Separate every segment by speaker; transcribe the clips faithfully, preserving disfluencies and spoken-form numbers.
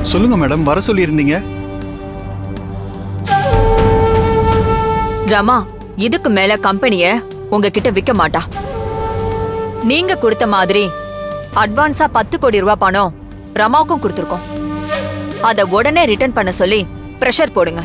Speaker 1: சொல்லுங்க மேடம், வர சொல்லியிருந்தீங்க.
Speaker 2: ரமா இதுக்கு மேல கம்பெனிய உங்ககிட்ட விக்க மாட்டா. நீங்க கொடுத்த மாதிரி அட்வான்ஸா பத்து கோடி ரூபாய் பணம் ரமாவுக்கும் கொடுத்திருக்கோம். அத உடனே ரிட்டர்ன் பண்ண சொல்லி பிரஷர் போடுங்க.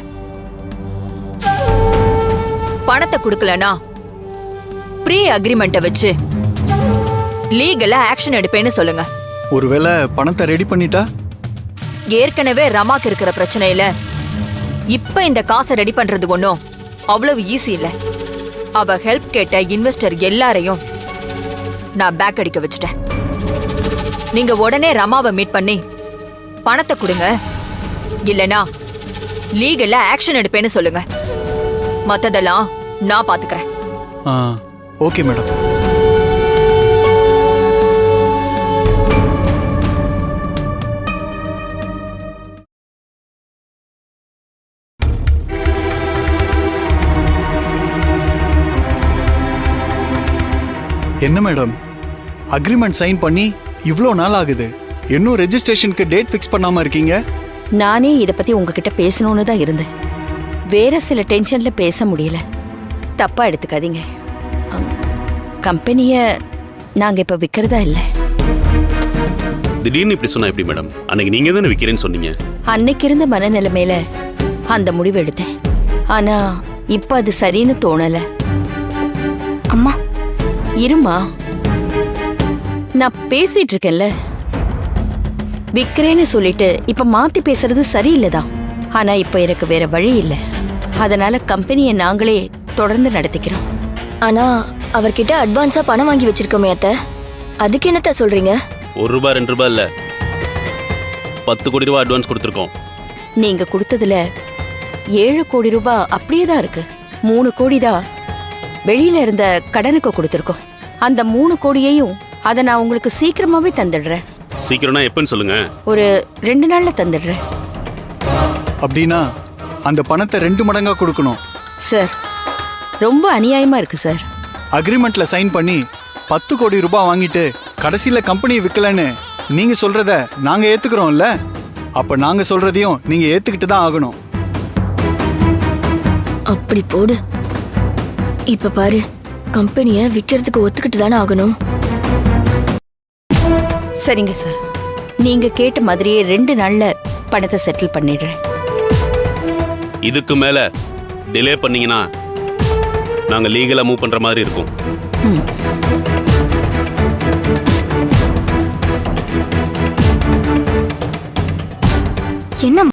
Speaker 2: பணத்தை கொடுக்கலனா ப்ரீ அக்ரிமெண்ட்டை வச்சு லீகலா ஆக்ஷன் எடுப்பேன்னு சொல்லுங்க.
Speaker 1: ஒருவேளை பணத்தை ரெடி பண்ணிட்டா?
Speaker 2: ஏற்கனவே ரமாக்கு இருக்கிற பிரச்சனையில இப்ப இந்த காசை ரெடி பண்றது ஒன்னும் அவ்வளவு ஈஸி இல்ல. அவ ஹெல்ப் கேட்ட இன்வெஸ்டர் எல்லாரையும் நான் பேக் அடிக்க வச்சுட்டேன். நீங்க உடனே ரமாவை மீட் பண்ணி பணத்தை கொடுங்க, இல்லனா லீகலா ஆக்ஷன் எடுப்பேன்னு சொல்லுங்க. மத்ததெல்லாம் நான் பாத்துக்கிறேன்.
Speaker 1: Okay madam. என்ன மேடம், அக்ரிமெண்ட் சைன் பண்ணி இவ்ளோ நாள் ஆகுது, இன்னும் ரெஜிஸ்ட்ரேஷனுக்கு டேட் ஃபிக்ஸ் பண்ணாம இருக்கீங்க?
Speaker 3: நானே இத பத்தி உங்ககிட்ட பேசணும்னு தான் இருந்தேன். வேற சில டென்ஷன்ல பேச முடியல. தப்பா எடுத்துக்காதீங்க. கம்பெனிய நாங்க இப்ப விக்கிறதா இல்ல.
Speaker 4: திடீர்னு இப்படி சொன்னா எப்படி மேடம்? அன்னைக்கு நீங்க தானே விக்கிறேன்னு சொன்னீங்க.
Speaker 3: அன்னைக்கு இருந்த மனநிலைமையில அந்த முடிவு எடுத்தேன். ஆனா இப்ப அது சரின்னு தோணல.
Speaker 5: அம்மா
Speaker 3: இருமா, நான் பேசிட்டு இருக்கேன்ல. விக்கிறேன்னு சொல்லிட்டு இப்ப மாத்தி பேசுறது சரியில்லைதான். ஆனா இப்ப எனக்கு வேற வழி இல்லை. அதனால கம்பெனியை நாங்களே தொடர்ந்து நடத்திக்கிறோம்.
Speaker 5: ஆனா அவர்கிட்ட அட்வான்ஸா பணம் வாங்கி வச்சிருக்கோமே அத்தை, அதுக்கு என்னத்த சொல்றீங்க?
Speaker 4: ஒரு ரூபாய் ரெண்டு ரூபாய் இல்ல, பத்து கோடி ரூபாய் அட்வான்ஸ் கொடுத்துருக்கோம்.
Speaker 3: நீங்க கொடுத்ததுல ஏழு கோடி ரூபாய் அப்படியே தான் இருக்கு. மூணு கோடி தான் வெளியில இருந்த கடனுக்கு கொடுத்துருக்கோம். அந்த மூணு கோடியையும் அதை நான் உங்களுக்கு சீக்கிரமாவே தந்துடுறேன்.
Speaker 4: சீக்கிரம்னா எப்பன்னு சொல்லுங்க.
Speaker 3: ஒரு ரெண்டு நாள்ல தந்துடுறேன்.
Speaker 1: அப்படின்னா அந்த பணத்தை ரெண்டு மடங்கா கொடுக்கணும்.
Speaker 3: சார், ரொம்ப அநியாயமா இருக்கு சார்.
Speaker 1: அக்ரிமெண்ட்ல சைன் பண்ணி பத்து கோடி ரூபாய் வாங்கிட்டு கடைசியில கம்பெனி விற்கலன்னு நீங்க சொல்றத நாங்க ஏத்துக்கிறோம்ல, அப்ப நாங்க சொல்றதையும் நீங்க ஏத்துக்கிட்டு தான் ஆகணும்.
Speaker 5: அப்படி போடு. இப்ப பாரு, கம்பெனிய விக்கிறதுக்கு ஒத்துக்கிட்டு தானே ஆகணும்.
Speaker 3: சரிங்க சார், நீங்க கேட்ட மாதிரியே ரெண்டு நாள்ல பணத்தை செட்டில் பண்ணிடுறேன்.
Speaker 4: இதுக்கு மேல டிலே பண்ணீங்கன்னா நாங்க லீகலா மூவ் பண்ற மாதிரி இருக்கும்.
Speaker 5: என்ன